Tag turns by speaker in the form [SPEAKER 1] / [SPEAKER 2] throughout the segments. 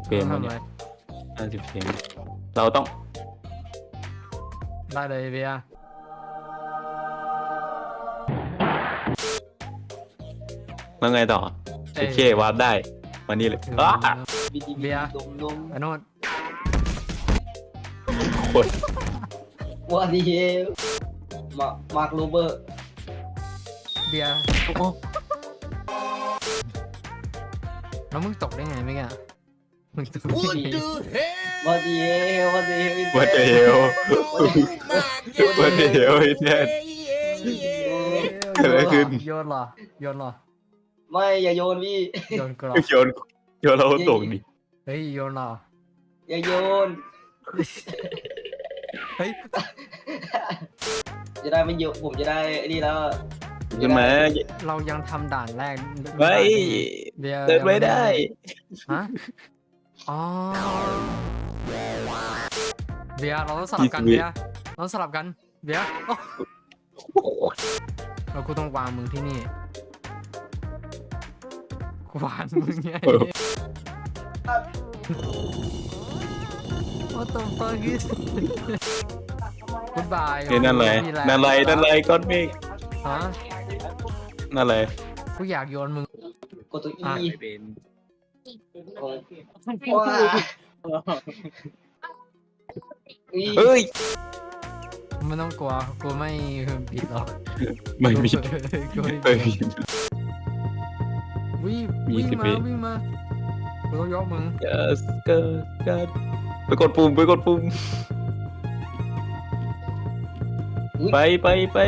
[SPEAKER 1] เฟรมแล้วเนี่ย50เฟรมเราต้อง
[SPEAKER 2] ได้เลยเบียร์
[SPEAKER 1] แล้วไงต่อโอเควาร์ปได้มานี่เลยอ้า
[SPEAKER 2] เบียร์
[SPEAKER 3] ดม
[SPEAKER 2] ไอ้โน่น
[SPEAKER 1] โคตร
[SPEAKER 3] ว่าดีมาร์คโรเบอร์
[SPEAKER 2] เบียร์แล้วมึงตกได้ไงไม่แกมึงตกได้ไง
[SPEAKER 3] ว่าดีว่าดี
[SPEAKER 1] วัดเดลวัดเดลไอ้แท้เกิดอะไรขึ้น
[SPEAKER 2] โยนเหรอโยนเหรอ
[SPEAKER 3] ไม่อย่าโยนพี่
[SPEAKER 2] โยนกรอ
[SPEAKER 1] โยนเราตกดิ
[SPEAKER 2] เฮ้ยโยนเหรอ
[SPEAKER 3] อย่าโยน
[SPEAKER 2] เฮ้ย
[SPEAKER 3] จะได้ไม่โยนผมจะได้นี่แล้ว
[SPEAKER 1] ใช่ไหม
[SPEAKER 2] เรายังทำด่านแรก
[SPEAKER 1] ไม่
[SPEAKER 2] เบียร์
[SPEAKER 1] เดินไม่ได้
[SPEAKER 2] ฮะอ๋อเบียร์เราต้องสลับกันเบียร์เราต้องสลับกันเบียร์โอ้เรากูต้องวางมึงที่นี่กูวางมึงไง What the fuck is Goodbye
[SPEAKER 1] เฮ้ยนั่นเลยนั่นเลยก้อนเมฆ
[SPEAKER 2] ฮะ
[SPEAKER 1] นั่นเลย
[SPEAKER 2] กูอยากโยนมึง
[SPEAKER 3] กดตัว
[SPEAKER 2] อ่ะ
[SPEAKER 3] E
[SPEAKER 1] เป็น
[SPEAKER 3] ว้า
[SPEAKER 1] เฮ้ย
[SPEAKER 2] ไม่ต้องกลัวกูไม่ผิดหรอก
[SPEAKER 1] ไม่มี
[SPEAKER 2] กูไม่
[SPEAKER 1] ไม่
[SPEAKER 2] ผิด
[SPEAKER 1] มี
[SPEAKER 2] วิ่ง
[SPEAKER 1] มี
[SPEAKER 2] วิ่ง
[SPEAKER 1] สิบ
[SPEAKER 2] มา
[SPEAKER 1] วิ
[SPEAKER 2] วิ่งมากูต้องยกมึง
[SPEAKER 1] Just go God ไปกดปุ่มไป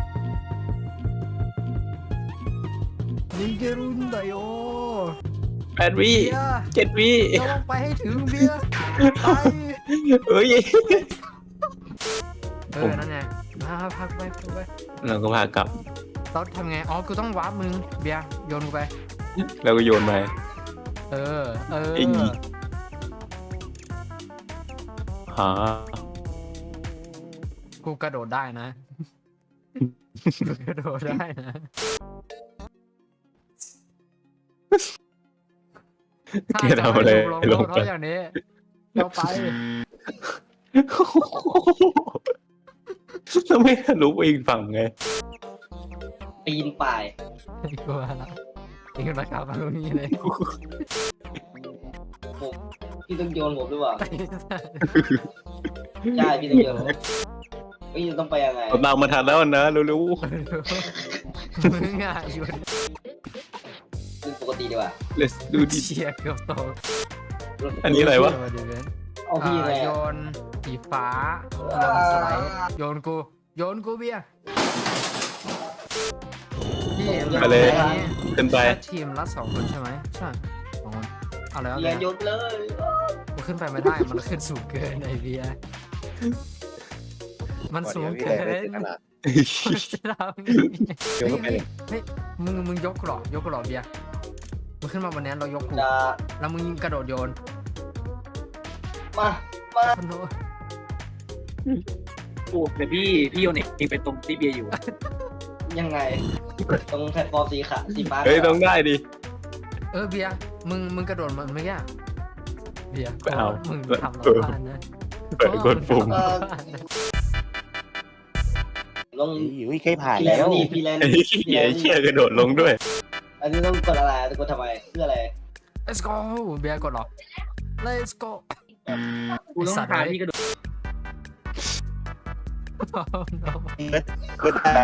[SPEAKER 2] นิเกรุนไดโอ
[SPEAKER 1] 8 วิ
[SPEAKER 2] เบียร์
[SPEAKER 1] 7 วิ
[SPEAKER 2] เราต้องไปให้ถึงเบียร์ไป
[SPEAKER 1] เฮ้ย
[SPEAKER 2] นั่นไงมาพักไป
[SPEAKER 1] เราก็พากลับ
[SPEAKER 2] เราทำไงอ๋อกูต้องวาร์ปมึงเบียร์โยนกูไป
[SPEAKER 1] แล้วก็โยนไป
[SPEAKER 2] เออ
[SPEAKER 1] ไอ้นี่ หา
[SPEAKER 2] กูกระโดดได้นะ กูกระโดดได้นะ
[SPEAKER 1] แกทำอะไรลง
[SPEAKER 2] เพ
[SPEAKER 1] ไป
[SPEAKER 2] ราะอย่างนี้เราไป
[SPEAKER 1] แล้วไม่ทะลุไปอีกฝั่งไง
[SPEAKER 3] ปีนป่าย
[SPEAKER 2] กลัวละนี่นะครับตรงนี้เลย
[SPEAKER 3] ผมพี่ต้องโยนผมหรือเปล่าใช่พี่ต้องโยนผมพี่ต้องไปยังไง
[SPEAKER 1] เราตามมาทันแล้วนะเร็ว
[SPEAKER 2] มึงอ่ะอยู่
[SPEAKER 3] คือปกติดีกว่า
[SPEAKER 1] ๆ let's do this
[SPEAKER 2] เชียร์เกือบโต
[SPEAKER 1] อันนี้อะไรวะ
[SPEAKER 3] เอาพี่ไง
[SPEAKER 2] โยนสีฟ้าลงสไลด์โยนกูเบียร์พี่
[SPEAKER 1] ไปเลย
[SPEAKER 2] อันนี้
[SPEAKER 1] ขึ้นไป
[SPEAKER 2] แค่ทีมละ2 คนใช่ไหมใช่2 คนเอาแล้ว
[SPEAKER 3] เบียร์โยนเลย
[SPEAKER 2] มันขึ้นไปไม่ได้มันขึ้นสูงเกินไอเบียร์มันสูงเกินจะทำไง
[SPEAKER 1] โยนเข้าไปเลย
[SPEAKER 2] เฮ้ยมึงยกกูเหรอเบียร์มึงขึ้นมาบนนี้เรายกกู
[SPEAKER 3] จะ
[SPEAKER 2] แล้วมึงกระโดดโยน
[SPEAKER 3] มา
[SPEAKER 2] คนโน้น
[SPEAKER 4] โอ้แต่พี่โยนเองไปตรงที่เบียร์อยู่
[SPEAKER 3] ยังไงตรงแพลตฟอร์มสีฟ้า
[SPEAKER 1] เฮ้ยต้องได้ดิ
[SPEAKER 2] เบียร์มึงกระโดดมันเมื่อกี้เบียร์
[SPEAKER 1] ไม่เอา
[SPEAKER 2] มึงทำเราพลาดนะ
[SPEAKER 1] ไปกดปุ่ม
[SPEAKER 3] ลง
[SPEAKER 5] อุ้ยเคยผ่าน
[SPEAKER 3] พี่แลน
[SPEAKER 5] แล้ว
[SPEAKER 3] ด์นี่พี่แลนด์
[SPEAKER 1] ไอ้เหี้ยเชี่ยกระโดดลงด้วย
[SPEAKER 3] อันนี้ต้องกดอะไรกดทำไมเพื่ออะไร
[SPEAKER 2] Let's go เบียร์กดเหรอ Let's go
[SPEAKER 4] กูต้องพาพี่กระโดด
[SPEAKER 5] ก็ได้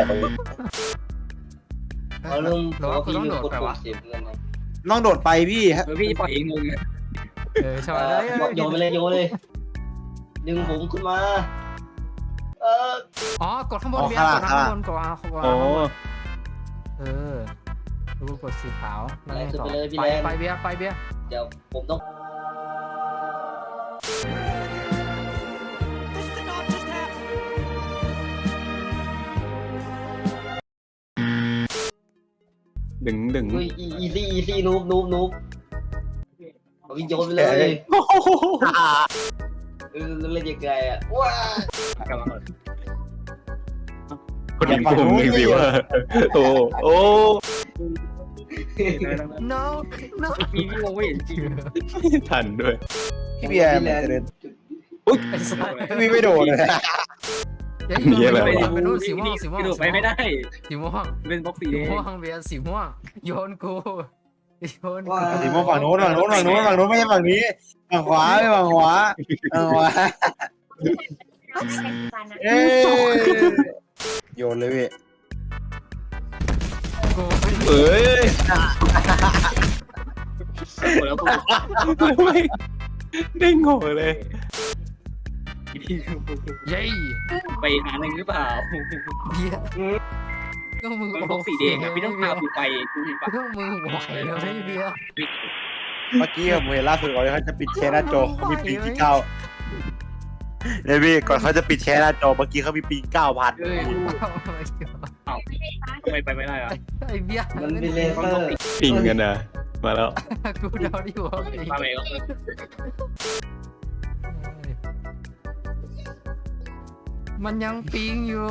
[SPEAKER 3] เอาเรื่อง
[SPEAKER 2] หรือว่ากูต้องโดด
[SPEAKER 3] กด
[SPEAKER 2] ไป
[SPEAKER 3] ปุ่
[SPEAKER 2] วะ
[SPEAKER 3] มเสียเงินนะ
[SPEAKER 5] น้องโดดไปพี่ฮะ
[SPEAKER 4] พี่จะปล่อยเองงง
[SPEAKER 2] ใช่ไหม
[SPEAKER 3] โยนไปเลยดึงผมขึ้นมา
[SPEAKER 2] อ๋อกดข้างบนเบียร์กดข้างบนกดข้างบน
[SPEAKER 1] อ๋อ
[SPEAKER 2] ดูกดสีขาวแล้วไงต่อ
[SPEAKER 3] ไปเลยพี่
[SPEAKER 2] ไป
[SPEAKER 3] แลนด์
[SPEAKER 2] ไปเบียร์
[SPEAKER 3] เดี๋ยวผมต้อง
[SPEAKER 1] ดึง
[SPEAKER 3] เฮ้ยอีซี่นูบเอาไปโยนไปเลยเล่นยังไงอ่ะว้า
[SPEAKER 1] คนยิงปุ่มหนึ่งสิว่าโอ้
[SPEAKER 2] no no
[SPEAKER 4] พี่งงไม่เห็นจริง
[SPEAKER 1] ทันด้วย
[SPEAKER 5] พี่เบียร์มันจะเดิน
[SPEAKER 2] ไอ้สัส
[SPEAKER 5] พี่ไม่โดนเลย
[SPEAKER 2] เดี๋ยว
[SPEAKER 1] มีอะไร
[SPEAKER 2] ไป
[SPEAKER 1] วะ
[SPEAKER 2] ไปนู่นสีม่วงสีม่วง
[SPEAKER 4] กระโดดไปไม่ได้
[SPEAKER 2] สีม่วง
[SPEAKER 4] เป็นบล็อกสี
[SPEAKER 2] สี
[SPEAKER 4] แดง
[SPEAKER 2] ม่วงเบียร์สีม่วงโยนกูโยนกู
[SPEAKER 5] สีม่วงฝั่งโน้นไม่ใช่ฝั่งนี้ฝั่งขวาไม่ฝั่งขวาเอ้โยนเลยพี่
[SPEAKER 2] กู
[SPEAKER 1] เอ้ย
[SPEAKER 4] แล้วพวก
[SPEAKER 1] ไม่ได้งงเลย
[SPEAKER 2] เย้
[SPEAKER 4] ไปหาหนึ่งหรือเปล่า
[SPEAKER 2] เบียร์ก็มึง
[SPEAKER 4] เป็นบล็อกสีแดงพี่ต้องพากูไปกูเห็นปะ
[SPEAKER 2] ก็มึงไหวแล้วไอ้เบียร์
[SPEAKER 5] เมื่อกี้ผมเห็นล่าสุดก่อนเขาจะปิดแชร์หน้าจอเขามีปิงที่9เนี่ยพี่ก่อนเขาจะปิดแชร์หน้าจอเมื่อกี้เขามีปิง9,000
[SPEAKER 4] เอ้ยทำไมไปไม่ได้อะ
[SPEAKER 2] ไอ้เบียร์
[SPEAKER 3] มันเป็นเลเซอร์
[SPEAKER 1] ปิงกันนะมาแล้ว
[SPEAKER 2] กูเดาดิว่าไอ้
[SPEAKER 4] มาไปก็
[SPEAKER 2] มันยังปิงอยู่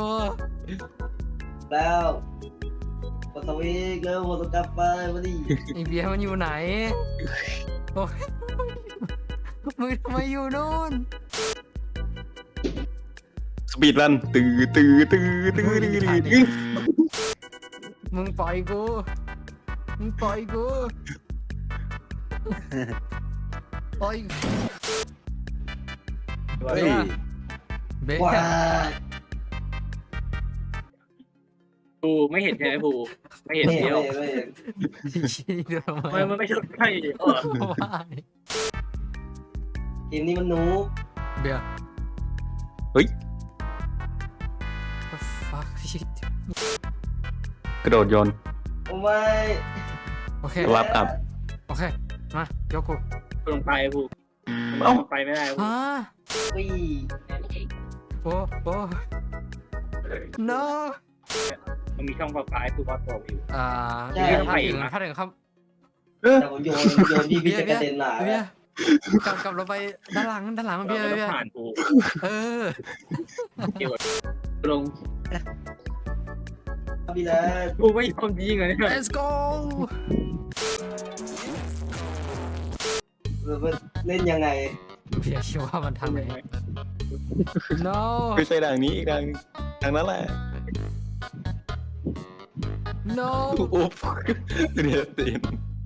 [SPEAKER 3] แล้วกดสวิตช์เร็วกดกลับไปมาดิ
[SPEAKER 2] ไอ้เบียร์มันอยู่ไหนโอ้ยมึงทำไมอยู่นู่น
[SPEAKER 1] สปีดรันตื้อตื้อตื้อตื้อตื้อตื้อ
[SPEAKER 2] มึงปล่อยกูมึงปล่อยกูปล่อย
[SPEAKER 5] เฮ้ย
[SPEAKER 2] เบ๊ะ
[SPEAKER 3] ว้า
[SPEAKER 4] กูไม่เห็นใช่ไหมกูไม่เห็น
[SPEAKER 3] ไม่
[SPEAKER 4] เดียว
[SPEAKER 3] ไม่
[SPEAKER 2] ชี้เดินมา
[SPEAKER 4] มันไม่ใช่ใช่
[SPEAKER 2] ว่า
[SPEAKER 3] เกมนี้มันนูบ
[SPEAKER 2] เบียร์
[SPEAKER 1] เฮ้ย
[SPEAKER 2] the fuck shit
[SPEAKER 1] กระโดดโยน
[SPEAKER 3] โอ้ไม่
[SPEAKER 2] โอเค
[SPEAKER 1] รับอัพ
[SPEAKER 2] โอเค มายกกู
[SPEAKER 4] ลงไปกูไปไม่ได้
[SPEAKER 2] ฮะ
[SPEAKER 3] วิ่ง
[SPEAKER 2] โอ้โอ้ no
[SPEAKER 4] มันมีช่องปลาปลายกูวัดตัวอยู่
[SPEAKER 2] ถ้าถึงครับ
[SPEAKER 3] แต่ผมโยนพี่จะกระเด็นหนา
[SPEAKER 2] เบียร์กลับเราไปด้านหลังเบียร์
[SPEAKER 4] เรา
[SPEAKER 2] เบียร์
[SPEAKER 4] ผ่านกู
[SPEAKER 2] เออ
[SPEAKER 4] เกี่ยวลง
[SPEAKER 3] พี่แล้ว
[SPEAKER 4] กูไม่ยอมยิงเลย
[SPEAKER 2] let's go
[SPEAKER 3] เล่นยังไง
[SPEAKER 2] เบียร์คิดว่ามันทางไหน no
[SPEAKER 1] ไม่ใช่ทางนี้อีกทางนั้นแหละ
[SPEAKER 2] no
[SPEAKER 1] อุ๊บเรียตีน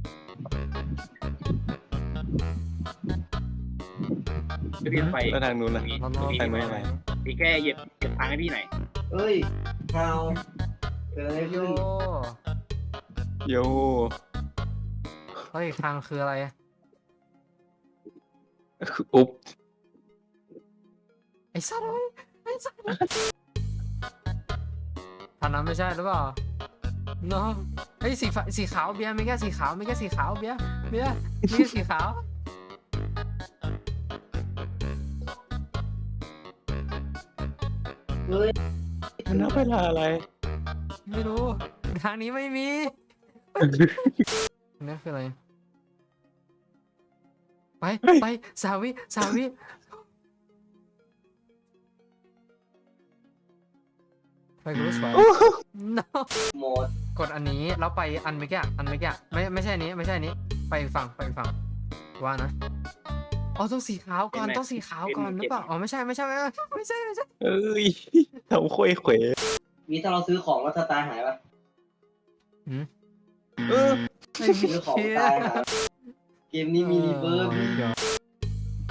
[SPEAKER 4] พี่ไป
[SPEAKER 1] แล้วทางนู้นนะ
[SPEAKER 4] พี่แค่เหยียบทางให้พี่ไหน
[SPEAKER 3] เฮ้ยเฮาเกิดอะไร
[SPEAKER 2] โย
[SPEAKER 3] ขึ้น
[SPEAKER 1] โย
[SPEAKER 2] เฮ้ยทางคืออะไร
[SPEAKER 1] อุ๊บ
[SPEAKER 2] ไอ้สัตว์ไอ้สัตว์ทางนั้นไม่ใช่หรือเปล่า no เฮ้ยสีขาวเบียร์ไม่แค่สีขาวเบียร์มีแค่สีขาว
[SPEAKER 3] เฮ้ย
[SPEAKER 1] มันนับเวลาอะไร
[SPEAKER 2] ไม่รู้ทางนี้ไม่มีนี่คืออะไรไปสาวิไปกูรู้สึก no
[SPEAKER 3] หมด
[SPEAKER 2] กดอันนี้แล้วไปอันเมื่อกี้ไม่ใช่อันนี้ไปอีกฝั่งว่านะอ๋อต้องสีขาวก่อนหรือเปล่าอ๋อไม่ใช่
[SPEAKER 1] เอ้ยทำคุยเขว
[SPEAKER 3] มีถ้าเราซื้อของแล้วถ้าตายหายปะ
[SPEAKER 1] เออ
[SPEAKER 3] ซื้อของตายหายเกมนี้มีรีเวิร์ส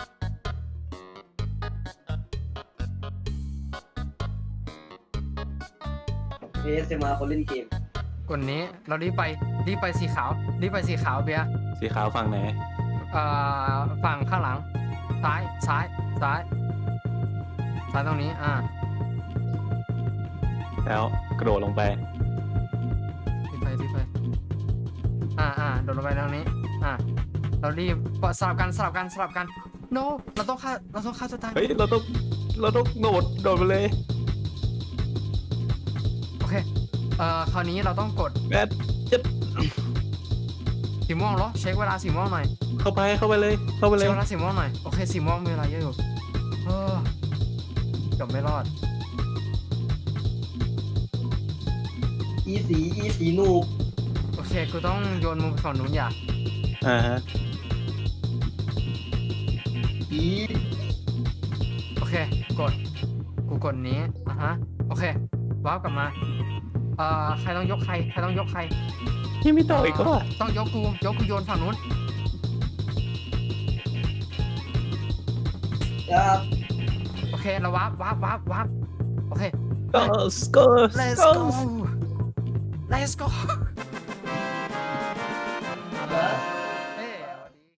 [SPEAKER 3] เอสมาคนเล่นเกม
[SPEAKER 2] กดนี้เรารีบไปสีขาวเบียร์
[SPEAKER 1] สีขาวฝั่งไหน
[SPEAKER 2] ฝั่งข้างหลังซ้ายตรงนี้
[SPEAKER 1] แล้วกระโดดลงไป
[SPEAKER 2] รีบไปโดดลงไปตรงนี้เรารีบสลับกัน no เราต้องฆ่าตัวตาย
[SPEAKER 1] เฮ้ยเราต้องโดดไปเลย
[SPEAKER 2] โอเคคราวนี้เราต้องกด
[SPEAKER 1] แม่จะ
[SPEAKER 2] สีม่วงเหรอเช็คเวลาสีม่วงหน่อย
[SPEAKER 1] เข้าไปเลย
[SPEAKER 2] เช็คเวลาสีม่วงหน่อยโอเคสีม่วงมีเวลาเยอะอยู่เกือบไม่รอด
[SPEAKER 3] อีสีนูบ
[SPEAKER 2] โอเคเคกูต้องโยนมุมฝั่งนู้นอย่า
[SPEAKER 5] ฮะ
[SPEAKER 3] อี
[SPEAKER 2] โอเคกูกดนี้โอเควาร์ปกลับมาใครต้องยกใครต้องยกใคร
[SPEAKER 5] ยังไม่ต่ออีกก็
[SPEAKER 2] ต้องยกกูโยนฝั่งนู้น
[SPEAKER 3] ครับ
[SPEAKER 2] โอเคเราวาร์ปโอเค
[SPEAKER 1] Let's go
[SPEAKER 2] let's go let's go
[SPEAKER 3] มา